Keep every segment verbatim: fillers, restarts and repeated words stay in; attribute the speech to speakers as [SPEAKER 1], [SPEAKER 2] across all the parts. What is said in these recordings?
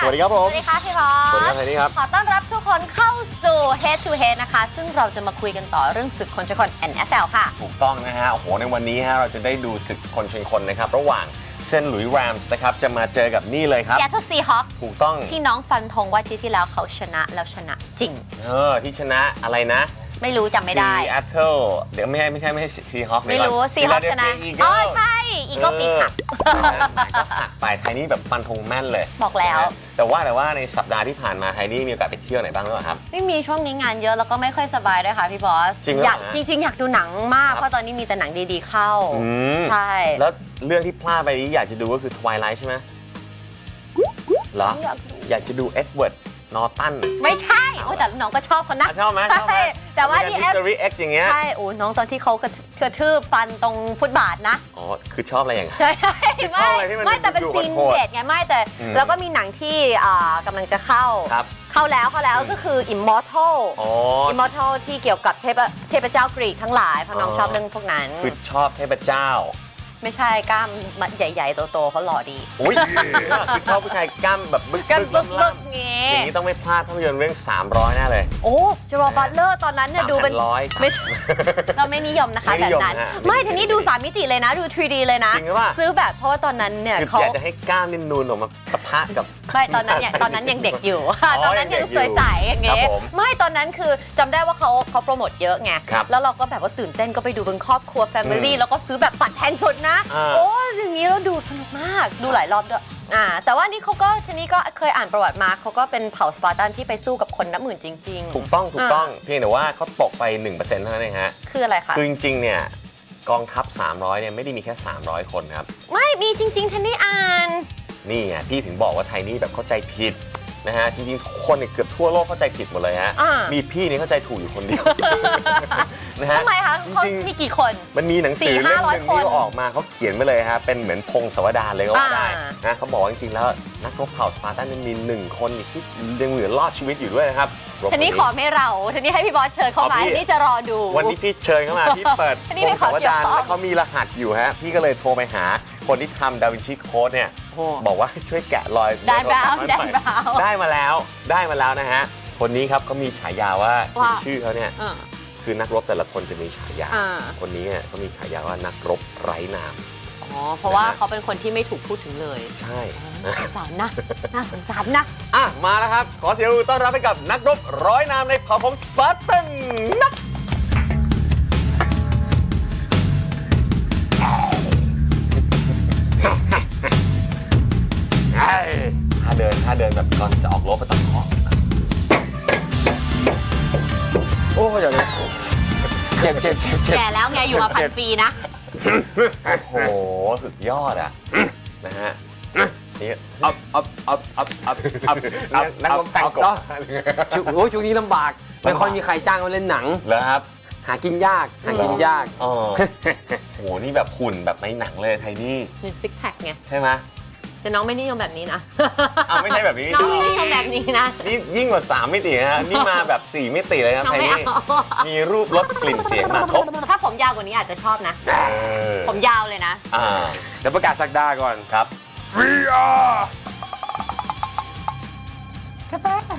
[SPEAKER 1] วัสดีครับผม
[SPEAKER 2] สวัสดีค่ะพี่บอส
[SPEAKER 1] สวัสดีครับไทนี่ครับ
[SPEAKER 2] ขอต้อนรับทุกคนเข้าสู่ Head to Head นะคะซึ่งเราจะมาคุยกันต่อเรื่องศึกคนชนคน เอ็น เอฟ แอล ค่ะ
[SPEAKER 1] ถูกต้องนะฮะโอ้โหในวันนี้ฮะเราจะได้ดูศึกคนชนคนนะครับระหว่างเซนต์หลุยส์แรมส์นะครับจะมาเจอกับนี่เลยครับ
[SPEAKER 2] Seattle Seahawks
[SPEAKER 1] ถูกต้อง
[SPEAKER 2] ที่น้องฟันธงว่าที่ที่แล้วเขาชนะแล้วชนะจริง
[SPEAKER 1] เออที่ชนะอะไรนะ
[SPEAKER 2] ไม่รู้จำไม่ได้
[SPEAKER 1] Seattle เดี๋ยวไม่ใช่ไม่ใช่ไม่ใช่ซีฮอค
[SPEAKER 2] ไม่รู้ซีฮอคชนะอ๋อใช่อีโก้ปีกหัก
[SPEAKER 1] ก็หักไปไทนี่แบบฟันธงแม่นเลย
[SPEAKER 2] บอกแล้ว
[SPEAKER 1] แต่ว่าแต่ว่าในสัปดาห์ที่ผ่านมาไทนี่มีโอกาสไปเที่ยวไหนบ้างหรือเปล่าครับ
[SPEAKER 2] ไม่มีช่วงนี้งานเยอะแล้วก็ไม่ค่อยสบายด้วยค่ะพี่บอส
[SPEAKER 1] จริง
[SPEAKER 2] อยากจริงๆอยากดูหนังมากเพราะตอนนี้มีแต่หนังดีๆเข้าใช่
[SPEAKER 1] แล้วเรื่องที่พลาดไปอยากจะดูก็คือ Twilight ใช่ไหมเหรออยากจะดูเอ็ดเวิร์ดนอร์ตัน
[SPEAKER 2] ไม่ใช่โอ้แต่น้องก็ชอบเขานะ
[SPEAKER 1] ชอบไหมชอบไหม
[SPEAKER 2] แต่ว่าที่
[SPEAKER 1] History X อย่างเงี้ย
[SPEAKER 2] ใช่โอ้น้องตอนที่เขากระทืบฟันตรงฟุตบาทนะ
[SPEAKER 1] อ๋อคือชอบอะไรอย่างเงี้ย
[SPEAKER 2] ใช่ไม่ไม่แต่เป็นซีนเด็ดไงไม่แต่แล้วก็มีหนังที่กำลังจะเข้าเข้าแล้วเข้าแล้วก็คือ Immortal Immortal ที่เกี่ยวกับเทพเทพเจ้ากรีกทั้งหลายเพราะน้องชอบเรื่องพวกนั้น
[SPEAKER 1] คือชอบเทพเจ้า
[SPEAKER 2] ไม่ใช่กล้ามใหญ่ๆโตๆเขาหล่อดี
[SPEAKER 1] อุ้ยคือชอบผู้ชายกล้ามแบบบึก
[SPEAKER 2] บึกบึกงี้
[SPEAKER 1] อย่างนี้ต้องไม่พลาดภาพยนตร์เรื่องสามร้อยแน่เลย
[SPEAKER 2] โอ้เจอร์บัตเลอร์ตอนนั้นเนี่ยดูเป็นไม่เราไม่นิยมนะคะแบบนั้นไม่ทีนี้ดูสามมิติเลยนะดู ทรี ดี เลยนะซื้อแบบเพราะว่าตอนนั้นเนี่ย
[SPEAKER 1] เขาอยากจะให้กล้ามนิ่มนูนออกมาปะทะกับ
[SPEAKER 2] ไม่ตอนนั้นเนี่ยตอนนั้นยังเด็กอยู่ตอนนั้นยังสวยใสอย่างเงี้ยไม่ตอนนั้นคือจำได้ว่าเขาเขาโปรโมทเยอะไงแล้วเราก็แบบว่าตื่นเต้นก็ไปดูเป็นครอบครัวแฟมิลี่แล้วก็ซื้อแบบบัตรแพงสุดนะโอ้อย่างนี้เราดูสนุกมากดูหลายรอบด้วยอ่าแต่ว่านี่เขาก็ทีนี้ก็เคยอ่านประวัติมาเขาก็เป็นเผ่าสปาร์ตันที่ไปสู้กับคนนับหมื่นจริง
[SPEAKER 1] ๆถูกต้องถูกต้องเพียงแต่ว่าเขาตกไป หนึ่งเปอร์เซ็นต์ เท่านั้นเองฮะ
[SPEAKER 2] คืออะไรคะ
[SPEAKER 1] คือจริงๆเนี่ยกองทัพสามร้อยเนี่ยไม่ได้มีแค่สามร้อยคนครับ
[SPEAKER 2] ไม่มีจริงๆทีนี้อ่าน
[SPEAKER 1] นี่ไงพี่ถึงบอกว่าไทนี่แบบเข้าใจผิดนะฮะจริงๆคนเกือบทั่วโลกเข้าใจผิดหมดเลยฮะมีพี่นี่เข้าใจถูกอยู่คนเดียว
[SPEAKER 2] นะฮะทำไมคะจริงๆมีกี่คน
[SPEAKER 1] มันมีหนังสือเล่มหนึ่งที่ออกมาเขาเขียนไว้เลยฮะเป็นเหมือนพงศาวดารเลยก็ว่าได้นะเขาบอกว่าจริงๆแล้วนักรบเผ่าสปาร์ตันมีหนึ่งคนที่ยังเหลือรอดชีวิตอยู่ด้วยนะครับ
[SPEAKER 2] ทีนี้ขอไม่เราทีนี้ให้พี่บอสเชิญเข้ามาที่จะรอดู
[SPEAKER 1] วันนี้พี่เชิญเข้ามาพี่เปิดพงศาวดารแล้วเขามีรหัสอยู่ฮะพี่ก็เลยโทรไปหาคนที่ทำดาวินชีโค้ดเนี่ยบอกว่าช่วยแกะรอย
[SPEAKER 2] ได้แล้ว
[SPEAKER 1] ได้มาแล้วได้มาแล้วนะฮะคนนี้ครับเขามีฉายาว่าชื่อเขาเนี่ยคือนักรบแต่ละคนจะมีฉายาคนนี้เขามีฉายาว่านักรบไร้นาม
[SPEAKER 2] อ๋อเพราะว่าเขาเป็นคนที่ไม่ถูกพูดถึงเลย
[SPEAKER 1] ใช่
[SPEAKER 2] สงสารนะน่าสงสารนะ
[SPEAKER 1] อ่ะมาแล้วครับขอเสียงปรบมือต้อนรับให้กับนักรบร้อยนามในเผ่าพงศ์สปาร์ตันนะถ้าเดินถ้าเดินแบบก่อนจะออกรบไปต้องเคาะ
[SPEAKER 3] โอ้เดี๋ยวเจ็บเจ็บเจ็บเจ็บ
[SPEAKER 2] แก่แล้วไงอยู่มาพันปีนะ
[SPEAKER 1] โอ้โหสุดยอดอ่ะนะฮะนี่
[SPEAKER 3] อัพอัพอัพอัพอัพอัพ
[SPEAKER 1] นักรบแต่งกบ
[SPEAKER 3] โอ้ช่วงนี้ลำบากไม่ค่อยมีใครจ้างมาเล่นหนัง
[SPEAKER 1] เหรอครับ
[SPEAKER 3] หากินยากหากินยาก
[SPEAKER 1] อ๋อโหนี่แบบหุ่นแบบในหนังเลยไทนี่
[SPEAKER 2] เป็นซิกแพคไง
[SPEAKER 1] ใช่ไหม
[SPEAKER 2] แต่น้องไม่นิยมแบบนี้นะ
[SPEAKER 1] อ้าวไม่ใช่แบบนี้
[SPEAKER 2] น้องไม่นิยมแบบนี้นะ
[SPEAKER 1] นี่ยิ่งกว่าสามมิติฮะนี่มาแบบสี่มิติเลยครับไทนี่มีรูปรสกลิ่นเสียงมาครบ
[SPEAKER 2] ถ้าผมยาวกว่านี้อาจจะชอบนะผมยาวเลยนะ
[SPEAKER 3] เดี๋ยวประกาศสักดาก่อน
[SPEAKER 1] ครับ
[SPEAKER 3] We are
[SPEAKER 2] สบาย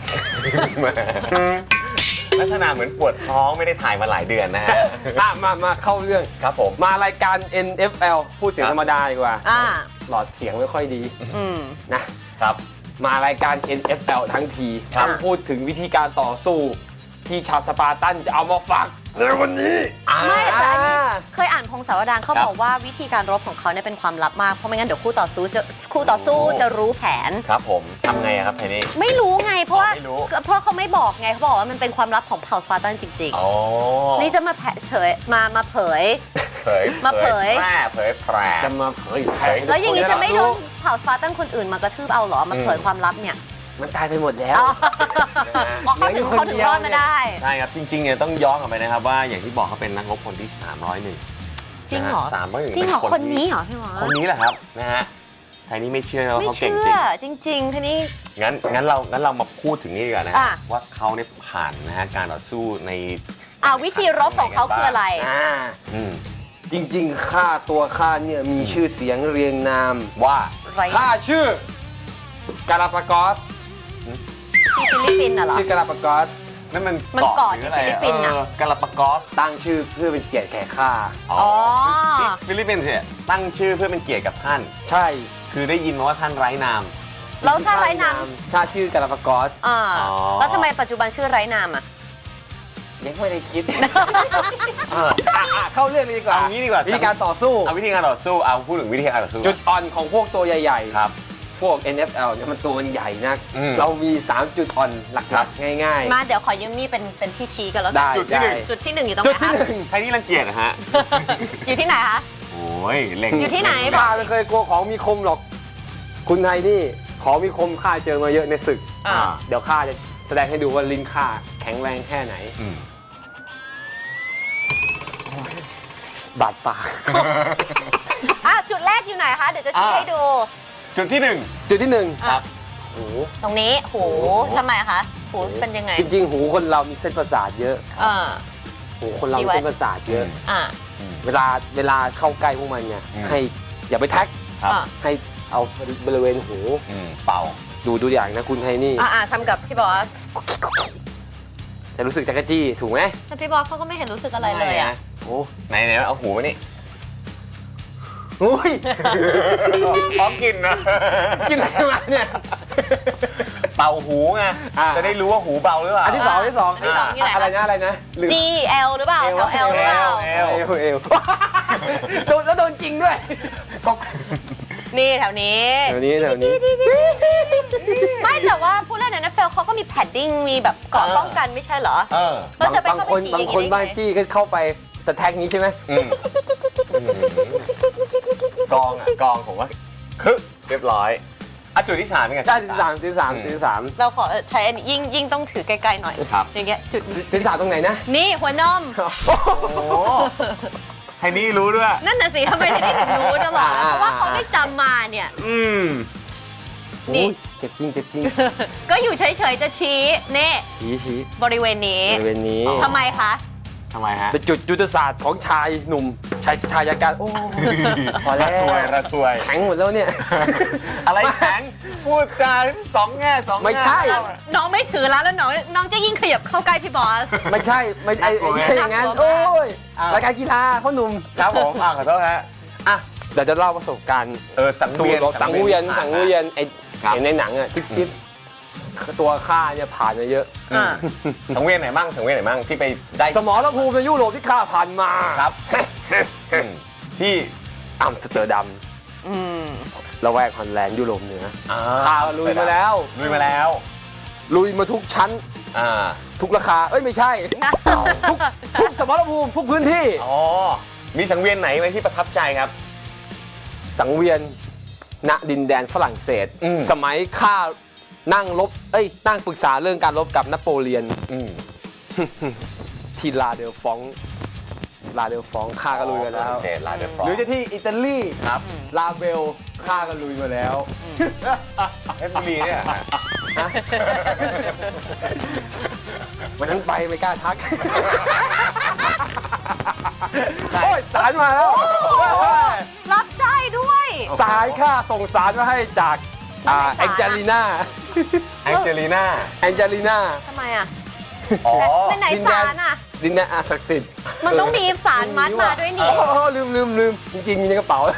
[SPEAKER 1] ลักษณะเหมือนปวดท้องไม่ได้ถ่ายมาหลายเดือนนะฮะ
[SPEAKER 3] มามาเข้าเรื่อง
[SPEAKER 1] ครับผม
[SPEAKER 3] มารายการ เอ็น เอฟ แอล พูดเสียงธรรมดาดีกว่าหลอดเสียงไม่ค่อยดีนะครับมารายการ เอ็น เอฟ แอล ทั้งทีต้องพูดถึงวิธีการต่อสู้ที่ชาวสปาร์ตันจะเอามาฝากในวันนี้
[SPEAKER 2] ไม่แต่เคยอ่านพงศาวดารเขาบอกว่าวิธีการรบของเขาเนี่ยเป็นความลับมากเพราะไม่งั้นเดี๋ยวคู่ต่อสู้จะคู่ต่อสู้จะรู้แผน
[SPEAKER 1] ครับผมทำไงครับไทนี่
[SPEAKER 2] ไม่รู้ไงเพราะว่าเพราะเขาไม่บอกไงเขาบอกว่ามันเป็นความลับของเผ่าสปาร์ตันจริงๆนี่จะมาเผยมามาเผย
[SPEAKER 1] เผย
[SPEAKER 2] มาเผย
[SPEAKER 1] แพร่เผยแพร่
[SPEAKER 3] จะมาเผย
[SPEAKER 2] แล้วอย่างนี้จะไม่โดนเผ่าสปาร์ตันคนอื่นมากระทืบเอาหรอมาเผยความลับเนี่ย
[SPEAKER 3] มันตายไปหมดแล้ว
[SPEAKER 2] เขาถึงเขาถึงรอดมาได้
[SPEAKER 1] ใช่ครับจริงๆเนี่ยต้องย้อนกลับไปนะครับว่าอย่างที่บอกเขาเป็นนักรบคนที่สามร้อยเอ็ด
[SPEAKER 2] จริงเหรอ
[SPEAKER 1] สามร้อยเอ็ด
[SPEAKER 2] จริงเหรอคนนี้เหรอพี่หมอ
[SPEAKER 1] คนนี้แหละครับนะฮะไทนี่ไม่เชื่อว่าเขาเก่ง
[SPEAKER 2] จริงจริงๆทีนี้
[SPEAKER 1] งั้นงั้นเรางั้นเรามาพูดถึงนี่ดีกว่านะว่าเขาเนี่ยผ่านนะฮะการต่อสู้ใน
[SPEAKER 2] วิธีรบของเขาคืออะไร
[SPEAKER 3] จริงๆข้าตัวข้าเนี่ยมีชื่อเสียงเรียงนาม
[SPEAKER 1] ว่า
[SPEAKER 3] ข้าชื่อกาลาปากอส
[SPEAKER 2] ที่ฟิลิปปินส์น่ะเหรอ
[SPEAKER 3] ชื่อกาลาปากอส
[SPEAKER 1] นั่นมัน
[SPEAKER 2] มันเกาะที่ฟิลิปปินส์น่ะ
[SPEAKER 1] กาลาปากอส
[SPEAKER 3] ตั้งชื่อเพื่อเป็นเกียรติแก่ข้า
[SPEAKER 2] อ๋อ
[SPEAKER 1] ฟิลิปปินส์เนี่ยตั้งชื่อเพื่อเป็นเกียรติกับท่าน
[SPEAKER 3] ใช่
[SPEAKER 1] คือได้ยินมาว่าท่านไร้นาม
[SPEAKER 2] แล้วถ้าไร้นาม
[SPEAKER 3] ชาชื่อกาลาปากอส
[SPEAKER 2] อ่าแล้วทำไมปัจจุบันชื่อไร้นามอ่ะ
[SPEAKER 3] ยังไม่ได้คิดเข้าเรื่องเลยดีกว่า
[SPEAKER 1] เอางี้ดีกว่า
[SPEAKER 3] วิธีการต่อสู้
[SPEAKER 1] เอาวิธีการต่อสู้เอาพูดถึงวิธีการต่อสู้
[SPEAKER 3] จุดอ่อนของพวกตัวใหญ่ๆ
[SPEAKER 1] ครับ
[SPEAKER 3] พวก เอ็น เอฟ แอล เนี่ยมันตัวมันใหญ่นักเรามีสามจุดอ่อนหลักๆง่าย
[SPEAKER 2] ๆมาเดี๋ยวขอยืมมีเป็นเป็นที่ชี้กันแล้ว
[SPEAKER 3] กัน
[SPEAKER 1] จุดที่หนึ่ง
[SPEAKER 2] จุดที่หนึ่งอยู่ตรงไหนคะ
[SPEAKER 1] ใครนี่รังเกียจนะฮะ
[SPEAKER 2] อยู่ที่ไหนคะ
[SPEAKER 1] โอ้ยเล็ง
[SPEAKER 2] อยู่ที่ไหน
[SPEAKER 3] ข้าไม่เคยกลัวของมีคมหรอกคุณไทยนี่ของมีคมข้าเจอมาเยอะในศึกเดี๋ยวข้าจะแสดงให้ดูว่าลิ้นข้าแข็งแรงแค่ไหนบาดปาก
[SPEAKER 2] อ่ะจุดแรกอยู่ไหนคะเดี๋ยวจะชี้ให้ดู
[SPEAKER 1] จุดที่หนึ่ง
[SPEAKER 3] จุดที่หนึ่ง
[SPEAKER 1] ครับ
[SPEAKER 3] หู
[SPEAKER 2] ตรงนี้หูทำไมคะหูเป็นยังไง
[SPEAKER 3] จริงๆหูคนเรามีเส้นประสาทเยอะหูคนเราเส้นประสาทเยอะเวลาเวลาเข้าใกล้พวกมันเนี่ยให้อย่าไปแท็กให้เอาบริเวณหู
[SPEAKER 1] เป่า
[SPEAKER 3] ดูดูอย่างนะคุณไทนี่
[SPEAKER 2] อ่าทำกับพี่บอส
[SPEAKER 3] จะรู้สึกจักรจี้ถูกไหม
[SPEAKER 2] แต่พี่บอสเขาก็ไม่เห็นรู้สึกอะไรเลยอ่ะ
[SPEAKER 1] โอ้ไหนไหนเอาหูมานี่
[SPEAKER 3] อุ้ย
[SPEAKER 1] พร้อมกินนะ
[SPEAKER 3] กินอะไรมาเนี่ย
[SPEAKER 1] เป่าหูไงจะได้รู้ว่าหูเบาหรือเปล่า
[SPEAKER 3] อันที่สองที่สองอะไรนะอะไรนะ
[SPEAKER 2] G L หรือเปล่า L L หรือเปล่า
[SPEAKER 3] L L L โดนแล้วโดนจริงด้วย
[SPEAKER 2] นี่แถวนี้
[SPEAKER 3] แถวนี้แถวนี้
[SPEAKER 2] ไม่แต่ว่าผู้เล่นใน เอ็น เอฟ แอล เขาก็มีแพดดิ้งมีแบบเกราะป้องกันไม่ใช่เหรอแล้วจะไป
[SPEAKER 3] บางคนบางคนบ้านจี้ก็เข้าไปแต่แท็กนี้ใช่ไหม
[SPEAKER 1] กองอ่ะกองผมว่าคือเรียบร้อยอ่ะจุดที่สามเป็นไง
[SPEAKER 3] จุดที่สามจุดที่สามจุดที่สาม
[SPEAKER 2] เราขอใช้ยิ่งยิ่งต้องถือไกลๆหน่อย
[SPEAKER 1] ครับ
[SPEAKER 2] อย่างเงี้ยจุด
[SPEAKER 3] จุดที่สามตรงไหนนะ
[SPEAKER 2] นี่หัวนม
[SPEAKER 1] ไฮนี่รู้ด้วย
[SPEAKER 2] นั่นน่ะสิทำไมไฮนี่ถึงรู้จะบอกเพราะว่าเขาได้จำมาเนี่ย
[SPEAKER 1] อืม
[SPEAKER 3] นี่เจ็บจริงเจ็บจริง
[SPEAKER 2] ก็อยู่เฉยๆจะชี้เน่
[SPEAKER 3] ชี้ชี้
[SPEAKER 2] บริเวณนี้
[SPEAKER 3] บริเวณนี้
[SPEAKER 2] ทำไมคะ
[SPEAKER 1] ทำไมฮะ
[SPEAKER 3] เป็นจุดยุทธศาสตร์ของชายหนุ่มชายชายการโอ้
[SPEAKER 1] พอแล้วระทวยระทวย
[SPEAKER 3] แข็งหมดแล้วเนี่ย
[SPEAKER 1] อะไรแข็งพูดจาสองแง่สอง
[SPEAKER 3] ไม่ใช่
[SPEAKER 2] น้องไม่ถือแล้วแล้วน้องน้องจะยิ่งขยับเข้าใกล้พี่บอส
[SPEAKER 3] ไม่ใช่ไม่ใช่อย่างนั้นโอ้ยรายการกีฬาพ่อหนุ่ม
[SPEAKER 1] ครับผมอ่ะขอโทษฮะอ่ะ
[SPEAKER 3] เดี๋ยวจะเล่าประสบการณ์
[SPEAKER 1] เออสังเวียน
[SPEAKER 3] สังเวียนสังเวียนไอ้เห็นในหนังอ่ะที่ที่ตัวข้าเนี่ยผ่านมาเยอะ
[SPEAKER 1] สังเวียนไหนบ้างสังเวียนไหนบ้างที่ไปได้
[SPEAKER 3] สมรภูมิในยุโรปที่ข้าผ่านมา
[SPEAKER 1] ครับที่
[SPEAKER 3] อัมสเตอร์ดัมละแวกฮอลแลนด์ยุโรปเหนือข้าลุยมาแล้ว
[SPEAKER 1] ลุยมาแล้ว
[SPEAKER 3] ลุยมาทุกชั้นทุกราคาเอ้ยไม่ใช่ทุกทุกสมรภูมิทุกพื้นที่
[SPEAKER 1] อ๋อมีสังเวียนไหนไหมที่ประทับใจครับ
[SPEAKER 3] สังเวียนณดินแดนฝรั่งเศสสมัยข้านั่งลบเอ้ยนั่งปรึกษาเรื่องการรบกับนโปเลียนที่ลาเดลฟองลาเดลฟองข้าก็ลุยมาแล้วหรือจะที่อิตาลี
[SPEAKER 1] ครับ
[SPEAKER 3] ลาเบลข้าก็ลุยมาแล้ว
[SPEAKER 1] เอฟบุรีเนี่ย
[SPEAKER 3] วันนั้นไปไม่กล้าทักโอ้ยสารมาแล้ว
[SPEAKER 2] รับได้ด้วย
[SPEAKER 3] สายข้าส่งสารมาให้จากแองเจลิน่า
[SPEAKER 1] แองเจลิน่า
[SPEAKER 3] แองเจลิน่า
[SPEAKER 2] ทำไมอ่ะอ๋อเป็นไหนสารอ่ะ
[SPEAKER 3] ดินแดนอาศักดิ์สิทธิ์
[SPEAKER 2] มันต้องมีสารมัดมาด้วยนี่
[SPEAKER 3] อ๋อลืมลืมลืมจริงๆมีในกระเป๋า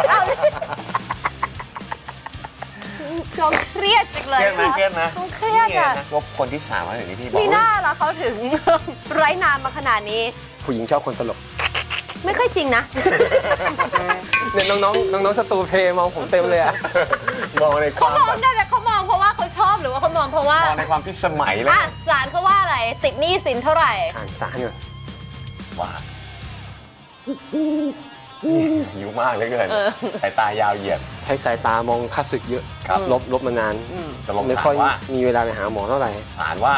[SPEAKER 2] ต้องเครียดจังเลย
[SPEAKER 1] เครียดไหมเครียดนะ
[SPEAKER 2] ต้องเครียดอ่ะ
[SPEAKER 1] ว่าคนที่สามอะไรอย่างนี้พี่บอก
[SPEAKER 2] มีหน้าแล้วเขาถึงไร้นามมาขนาดนี้
[SPEAKER 3] ผู้หญิงชอบคนตลก
[SPEAKER 2] ไม่ค่อยจริงนะ
[SPEAKER 3] เนี่ยน้องๆน้องๆสตูเพมองผมเต็มเลยอะ
[SPEAKER 1] มองในความ
[SPEAKER 2] เขามองได้แต่เขามองเพราะว่าเขาชอบหรือว่าเขามองเพราะว่าม
[SPEAKER 1] องในความพิสมัยเลย
[SPEAKER 2] อ่ะศาลเขาว่าอะไรติดหนี้สินเท่าไหร่
[SPEAKER 3] อ่านศาลก่อน
[SPEAKER 1] ว่าหิวมากเลยเกินสายตายาวเหยียด
[SPEAKER 3] ใช้สายตามองข้าศึกเยอะลบลบมานาน
[SPEAKER 1] ไม่
[SPEAKER 3] ค่อยมีเวลาไปหาหมอเท่าไหร่
[SPEAKER 1] ศาลว่า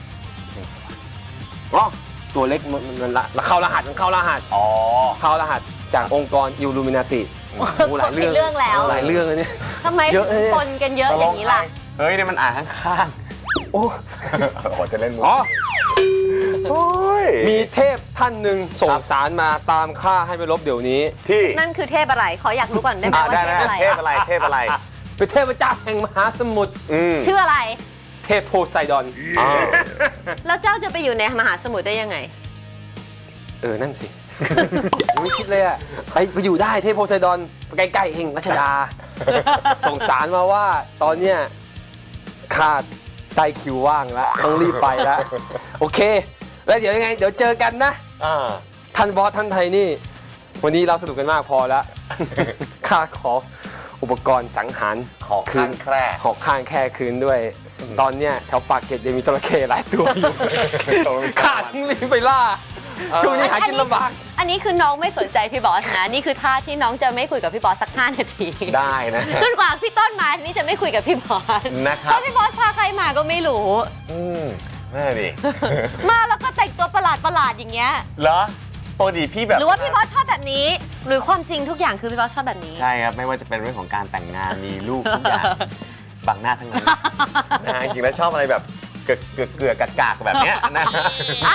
[SPEAKER 3] อ๋อตัวเล็กมันมันละเข้ารหัสมันเข้ารหัส
[SPEAKER 1] อ๋อ
[SPEAKER 3] เข้ารหัสจากองค์กรอิลลูมินาติ
[SPEAKER 2] หลายเรื่องแล้ว
[SPEAKER 3] หลายเรื่องเลยเนี่ย
[SPEAKER 2] ทำไมคนกันเยอะอย่างนี้ล่ะ
[SPEAKER 1] เฮ้ยเนี่ยมันอ่านข้างๆโอ้โหจะเล่นมุก
[SPEAKER 3] อ๋อมีเทพท่านหนึ่งส่งสารมาตามข้าให้ไปลบเดี๋ยวนี้
[SPEAKER 1] ที่
[SPEAKER 2] นั่นคือเทพอะไรขออยากรู้ก่อนได้ไหมว่า
[SPEAKER 1] เทพอะไรเทพอะไรเทพอะไร
[SPEAKER 3] เป็นเทพเจ้าแห่งมหาสมุทร
[SPEAKER 2] ชื่ออะไร
[SPEAKER 3] เทเทพโพไซดอน
[SPEAKER 2] แล้วเจ้าจะไปอยู่ในมหาสมุทรได้ยังไง
[SPEAKER 3] เออนั่นสิไม่คิดเลยอะไปไปอยู่ได้เทพโพไซดอนใกล้ๆเองรัชดาส่งสารมาว่าตอนเนี้ยขาดไตคิวว่างแล้วต้องรีบไปแล้วโอเคแล้วเดี๋ยวยังไงเดี๋ยวเจอกันนะท่านบอสท่านไทยนี่วันนี้เราสนุกกันมากพอแล้วข้าขออุปกรณ์สังหาร
[SPEAKER 1] หอกข้างแคร่
[SPEAKER 3] หอกข้างแคร่คืนด้วยตอนเนี้ยแถวปากเกร็ดยังมีจระเข้หลายตัวอยู่ขาดรีบไปล่าช่วงนี้หากินลำบาก
[SPEAKER 2] อันนี้คือน้องไม่สนใจพี่บอสนะนี่คือท่าที่น้องจะไม่คุยกับพี่บอสสักห้านาที
[SPEAKER 1] ได้นะ
[SPEAKER 2] จนกว่าพี่ต้นมานี่จะไม่คุยกับพี่บอส
[SPEAKER 1] นะครับ
[SPEAKER 2] เพราะพี่บอสพาใครมาก็ไม่รู้
[SPEAKER 1] อืมแม่ดิ
[SPEAKER 2] มาแล้วก็แต่งตัวประหลาดประหลาดอย่างเงี้ย
[SPEAKER 1] เหรอปกติพี่แบบ
[SPEAKER 2] หรือว่าพี่บอสชอบแบบนี้หรือความจริงทุกอย่างคือพี่บอสชอบแบบนี้
[SPEAKER 1] ใช่ครับไม่ว่าจะเป็นเรื่องของการแต่งงานมีลูกทุกอย่างบังหน้าทั้งนั้นนะจริงๆแล้วชอบอะไรแบบเกลือเกลือเกลือกากๆแบบเนี้ยนะ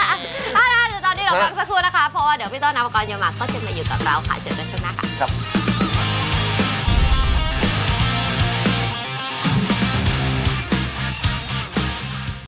[SPEAKER 2] อ่ะเดี๋ยวตอนนี้เราพักสักครู่นะคะเพราะว่าเดี๋ยวพี่ต้นนภกรยมากก็จะมาอยู่กับเราค่ะเจอกันช่วงหน้าค่ะ
[SPEAKER 1] ครับ